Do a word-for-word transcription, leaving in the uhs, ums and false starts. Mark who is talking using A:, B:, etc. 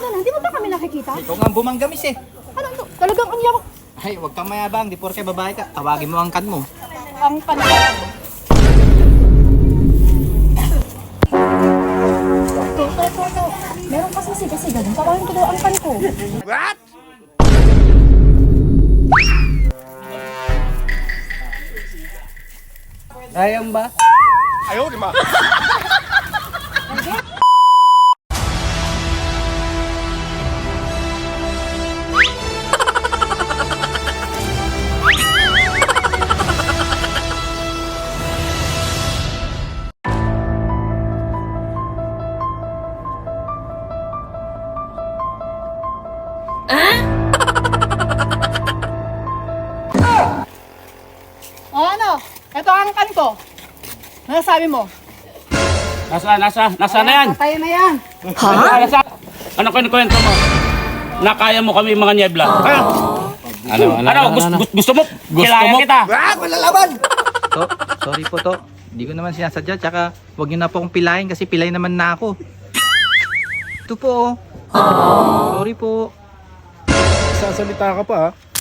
A: ganda na. Hindi mo ba kami nakikita?
B: Ikaw nga ang bumanggamis eh.
A: Ano to? Talagang ang yaman.
B: Ay, huwag kang mayabang. Di porke babae ka. Tawagin mo ang kan mo.
A: Ang panahon. To, to, to, to. Meron kasi siga-siga dun. Tawagin ko daw ang pan ko.
B: What? Ayang ba?
C: Ayaw, di ba?
A: O ano? Ito ang kan ko. Ano sabi mo?
D: Nasa, nasa, nasa na yan?
A: Patay na yan.
D: Nasa, nasa. Ano kwento mo? Nakaya mo kami mga niebla. Ha? Ano, ano, ano, gusto, gusto mo? Kilala kita.
B: Ah, malalaban! To, sorry po to. Hindi ko naman sinasadya. Tsaka huwag niyo na po akong pilahin kasi pilay naman na ako. Ito po oh. Sorry po.
C: Sasalita ka pa ha?